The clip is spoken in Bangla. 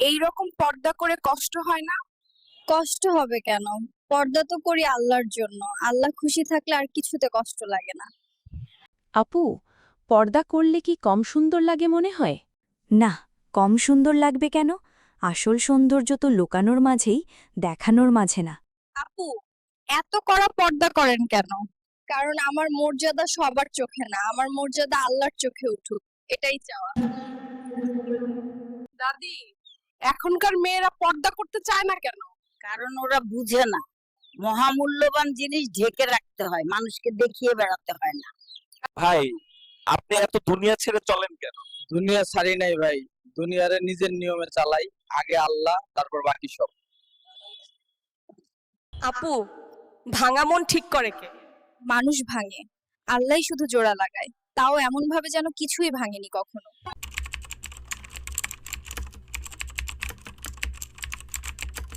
এই রকম পর্দা করে কষ্ট হয় না? কষ্ট হবে কেন? পর্দা তো করি আল্লাহর জন্য। আল্লাহ খুশি থাকলে আর কিছুতে কষ্ট লাগে না। আপু, পর্দা করলে কি কম সুন্দর লাগে মনে হয়? না, কম সুন্দর লাগবে কেন? আসল সৌন্দর্য তো লুকানোর মাঝেই, দেখানোর মাঝে না। আপু, এত কড়া পর্দা করেন কেন? কারণ আমার মর্যাদা সবার চোখে না, আমার মর্যাদা আল্লাহর চোখে উঠুক, এটাই চাওয়া। দাদি, এখনকার মেয়েরা পর্দা করতে চায় না কেন? কারণ ওরা বুঝে না মহামূল্যবান জিনিস ঢেকে রাখতে হয়, মানুষকে দেখিয়ে বেড়াতে হয় না। ভাই, আপনি এত দুনিয়া ছেড়ে চলেন কেন? দুনিয়া ছাড়ি নাই ভাই, দুনিয়ারে নিজের নিয়মে চালাই। আগে আল্লাহ, তারপর বাকি সব। আপু, ভাঙা মন ঠিক করে কে? মানুষ ভাঙে, আল্লাহই শুধু জোড়া লাগায়, তাও এমন ভাবে যেন কিছুই ভাঙেনি কখনো।